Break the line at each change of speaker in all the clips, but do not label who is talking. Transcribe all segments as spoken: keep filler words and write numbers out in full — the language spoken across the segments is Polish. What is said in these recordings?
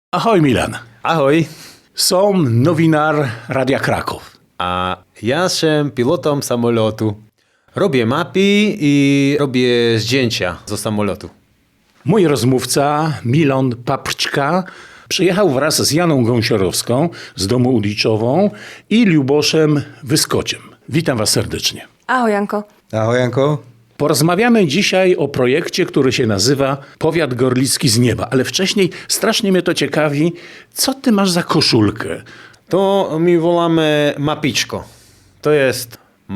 Ahoj Milan.
Ahoj.
Som novinar Radia Kraków.
A ja jestem pilotem samolotu. Robię mapy i robię zdjęcia ze samolotu.
Mój rozmówca Milan Papczka przyjechał wraz z Janą Gąsiorowską z domu Uliczową i Luboszem Wyskociem. Witam was serdecznie.
Ahoj Janko.
Ahoj Janko.
Porozmawiamy dzisiaj o projekcie, który się nazywa Powiat Gorlicki z Nieba. Ale wcześniej strasznie mnie to ciekawi, co ty masz za koszulkę?
To my wolamy mapiczko. To jest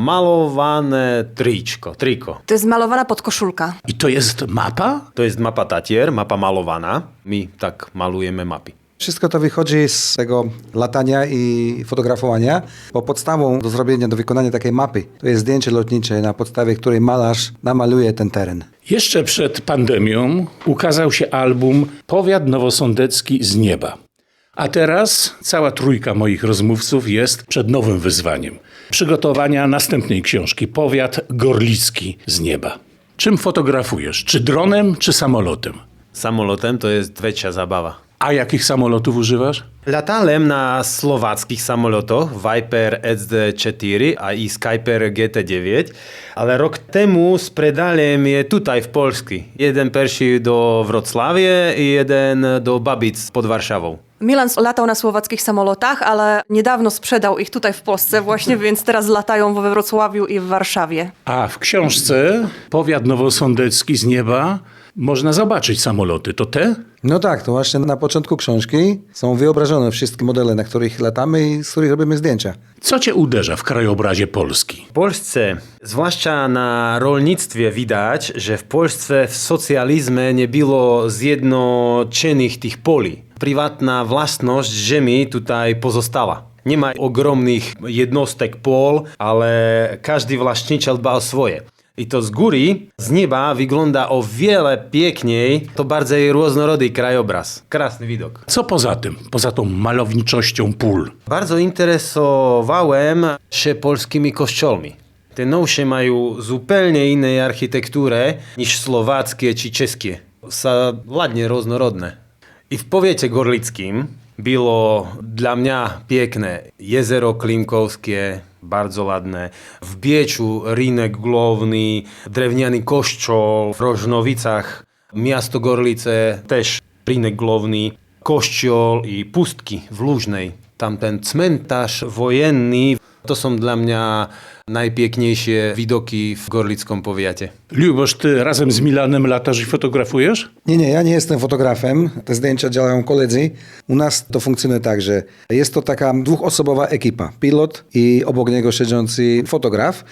malowane triczko, triko.
To jest malowana podkoszulka.
I to jest mapa?
To jest mapa Tatier, mapa malowana. My tak malujemy mapy.
Wszystko to wychodzi z tego latania i fotografowania, bo podstawą do zrobienia, do wykonania takiej mapy to jest zdjęcie lotnicze, na podstawie której malarz namaluje ten teren.
Jeszcze przed pandemią ukazał się album Powiat Nowosądecki z Nieba. A teraz cała trójka moich rozmówców jest przed nowym wyzwaniem. Przygotowania następnej książki Powiat Gorlicki z Nieba. Czym fotografujesz? Czy dronem, czy samolotem?
Samolotem to jest trzecia zabawa.
A jakich samolotów używasz?
Latałem na słowackich samolotach Viper S D cztery a i Skyper G T dziewięć, ale rok temu sprzedałem je tutaj w Polsce. Jeden pierwszy do Wrocławia i jeden do Babic pod Warszawą.
Milan latał na słowackich samolotach, ale niedawno sprzedał ich tutaj w Polsce właśnie, więc teraz latają we Wrocławiu i w Warszawie.
A w książce Powiat Nowosądecki z Nieba można zobaczyć samoloty. To te?
No tak, to właśnie na początku książki są wyobrażone wszystkie modele, na których latamy i z których robimy zdjęcia.
Co cię uderza w krajobrazie Polski?
W Polsce, zwłaszcza na rolnictwie, widać, że w Polsce w socjalizmie nie było zjednoczonych tych poli. Prywatna własność ziemi tutaj pozostała. Nie ma ogromnych jednostek pol, ale każdy właściciel dba o swoje. I to z góry, z nieba wygląda o wiele piękniej, to bardziej różnorodny krajobraz. Krasny widok.
Co poza tym, poza tą malowniczością pól?
Bardzo interesowałem się polskimi kościołami. Te nowsze mają zupełnie inną architekturę niż słowackie czy czeskie. Są ładnie różnorodne. I w powiecie gorlickim było dla mnie piękne jezero Klimkowskie, bardzo ładne. W Bieczu rynek główny, drewniany kościół, w Rożnowicach miasto Gorlice, też rynek główny, kościół i pustki w Lużnej. Tam ten cmentarz wojenny, to są dla mnie najpiękniejsze widoki w gorlickim powiecie.
Lubosz, ty razem z Milanem latasz i fotografujesz?
Nie, nie, ja nie jestem fotografem, te zdjęcia działają koledzy. U nas to funkcjonuje tak, że jest to taka dwuosobowa ekipa, pilot i obok niego siedzący fotograf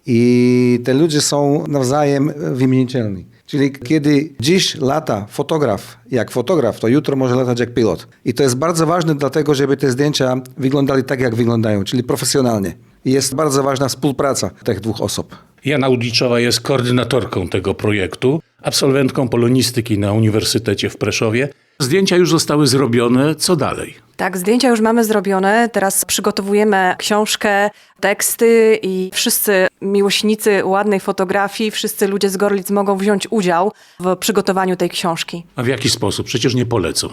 i te ludzie są nawzajem wymienitelni. Czyli kiedy dziś lata fotograf jak fotograf, to jutro może latać jak pilot. I to jest bardzo ważne dlatego, żeby te zdjęcia wyglądały tak, jak wyglądają, czyli profesjonalnie. I jest bardzo ważna współpraca tych dwóch osób.
Jana Udliczowa jest koordynatorką tego projektu, absolwentką polonistyki na Uniwersytecie w Preszowie. Zdjęcia już zostały zrobione. Co dalej?
Tak, zdjęcia już mamy zrobione. Teraz przygotowujemy książkę, teksty i wszyscy miłośnicy ładnej fotografii, wszyscy ludzie z Gorlic mogą wziąć udział w przygotowaniu tej książki.
A w jaki sposób? Przecież nie polecą.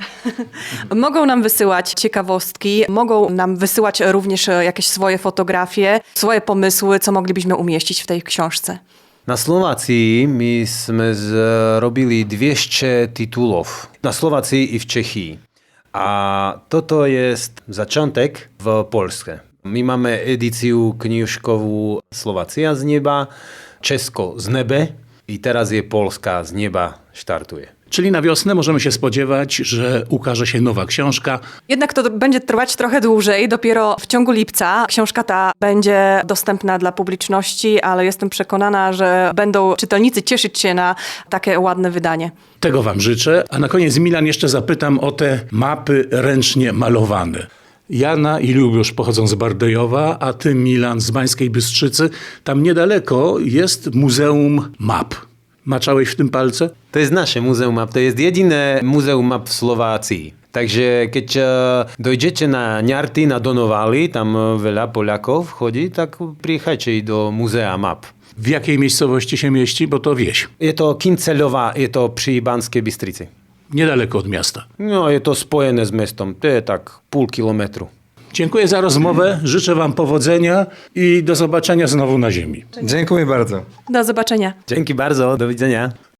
Mogą nam wysyłać ciekawostki, mogą nam wysyłać również jakieś swoje fotografie, swoje pomysły, co moglibyśmy umieścić w tej książce.
Na Słowacji myśmy zrobili dwieście tytułów. Na Słowacji i w Czechii. A to jest zaczątek w Polsce. My mamy edycję książkową Słowacja z nieba, czesko z nebe i teraz je Polska z nieba startuje.
Czyli na wiosnę możemy się spodziewać, że ukaże się nowa książka.
Jednak to będzie trwać trochę dłużej. Dopiero w ciągu lipca książka ta będzie dostępna dla publiczności, ale jestem przekonana, że będą czytelnicy cieszyć się na takie ładne wydanie.
Tego wam życzę. A na koniec, Milan, jeszcze zapytam o te mapy ręcznie malowane. Jana i Lubosz pochodzą z Bardejowa, a ty, Milan, z Bańskiej Bystrzycy. Tam niedaleko jest Muzeum Map. Maczałeś w tym palce?
To jest nasze Muzeum Map, to jest jedyne Muzeum Map w Słowacji. Takže keď dojdziecie na Niarty, na Donowali, tam wiele Polaków chodzi, tak przyjechajcie do Muzea Map.
W jakiej miejscowości się mieści? Bo to wieś.
Je to Kinceľová, je to przy Banskej Bystrici.
niedaleko od miasta.
No je to spojené s mestom, to je tak pół kilometru.
Dziękuję za rozmowę, życzę Wam powodzenia i do zobaczenia znowu na ziemi.
Dziękuję bardzo.
Do zobaczenia.
Dzięki bardzo, do widzenia.